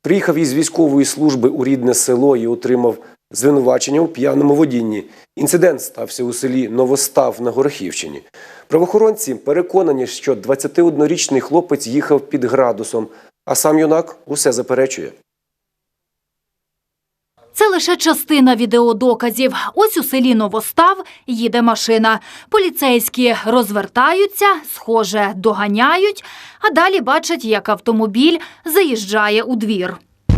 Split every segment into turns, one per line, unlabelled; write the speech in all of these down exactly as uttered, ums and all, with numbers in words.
Приїхав із військової служби у рідне село і отримав звинувачення у п'яному водінні. Інцидент стався у селі Новостав на Горохівщині. Правоохоронці переконані, що двадцятиоднорічний хлопець їхав під градусом, а сам юнак усе заперечує.
Це лише частина відеодоказів. Ось у селі Новостав їде машина. Поліцейські розвертаються, схоже, доганяють, а далі бачать, як автомобіль заїжджає у двір.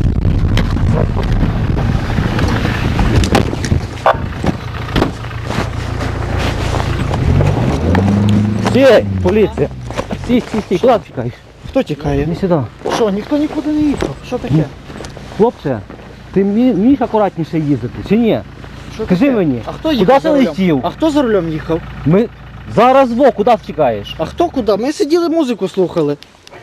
Стій, поліція! Стій, стій, стій, куди ти тікаєш?
Хто тікає?
Не сюди.
Що, ніхто нікуди не їхав? Що таке?
Хлопче, ти вмі- вмієш акуратніше їздити, чи ні?
Що
Скажи
таке?
мені,
А хто
куди
їхав
ти
за рулем?
летів?
А хто за рулем їхав?
Ми зараз во, куди ти тікаєш?
А хто куди? Ми сиділи, музику слухали.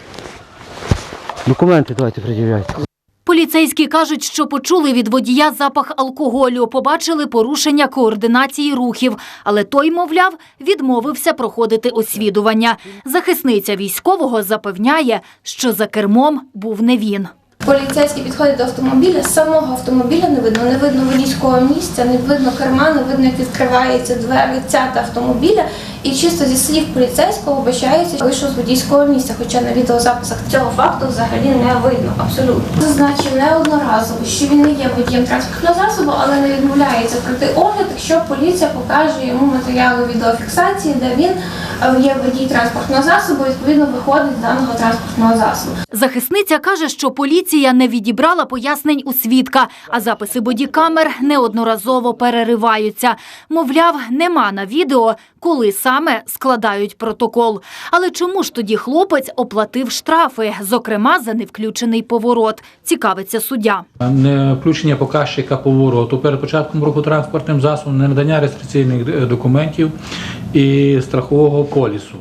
Документи давайте пред'являйте.
Поліцейські кажуть, що почули від водія запах алкоголю, побачили порушення координації рухів, але той, мовляв, відмовився проходити освідування. Захисниця військового запевняє, що за кермом був не він.
Поліцейські підходять до автомобіля, самого автомобіля не видно, не видно водійського місця, не видно керма, не видно, як відкриваються двері ця та автомобіля. І чисто зі слів поліцейського вбачається, вийшов з водійського місця, хоча на відеозаписах цього факту взагалі не видно, абсолютно. Зазначив неодноразово, що він не є водієм транспортного засобу, але не відмовляється пройти огляд, якщо поліція покаже йому матеріали відеофіксації, де він є водій транспортного засобу, відповідно виходить з даного транспортного засобу.
Захисниця каже, що поліція не відібрала пояснень у свідка, а записи бодікамер неодноразово перериваються. Мовляв, нема на відео, коли саме складають протокол. Але чому ж тоді хлопець оплатив штрафи, зокрема за невключений поворот, цікавиться суддя.
Не включення показчика повороту перед початком руху транспортним засобом, не надання реєстраційних документів і страхового полісу.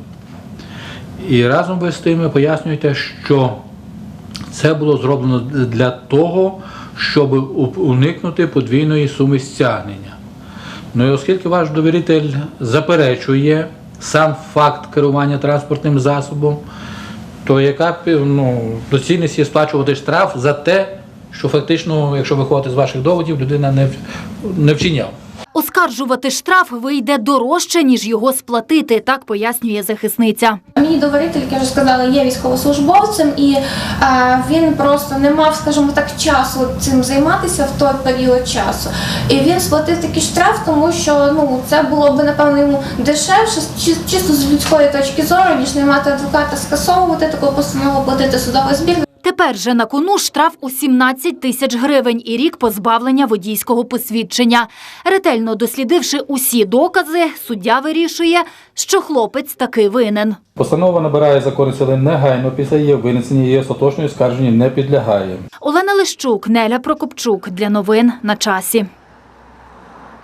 І разом ви з тим пояснюєте, що це було зроблено для того, щоб уникнути подвійної суми стягнення. Ну і оскільки ваш довіритель заперечує сам факт керування транспортним засобом, то яка ну, доцільність є сплачувати штраф за те, що фактично, якщо виходити з ваших доводів, людина не, не вчиняв.
Оскаржувати штраф вийде дорожче, ніж його сплатити, так пояснює захисниця.
Мій довіритель, як я вже сказала, є військовослужбовцем, і е, він просто не мав, скажімо так, часу цим займатися в той період часу. І він сплатив такий штраф, тому що ну, це було б, напевно, йому дешевше, чисто з людської точки зору, ніж не мати адвоката, скасовувати таку постанову, платити судовий збір.
Тепер же на кону штраф у сімнадцять тисяч гривень і рік позбавлення водійського посвідчення. Ретельно дослідивши усі докази, суддя вирішує, що хлопець таки винен.
Постанова набирає законної сили негайно після її винесення, її остаточної скарженню не підлягає.
Олена Лищук, Неля Прокопчук. Для новин на часі.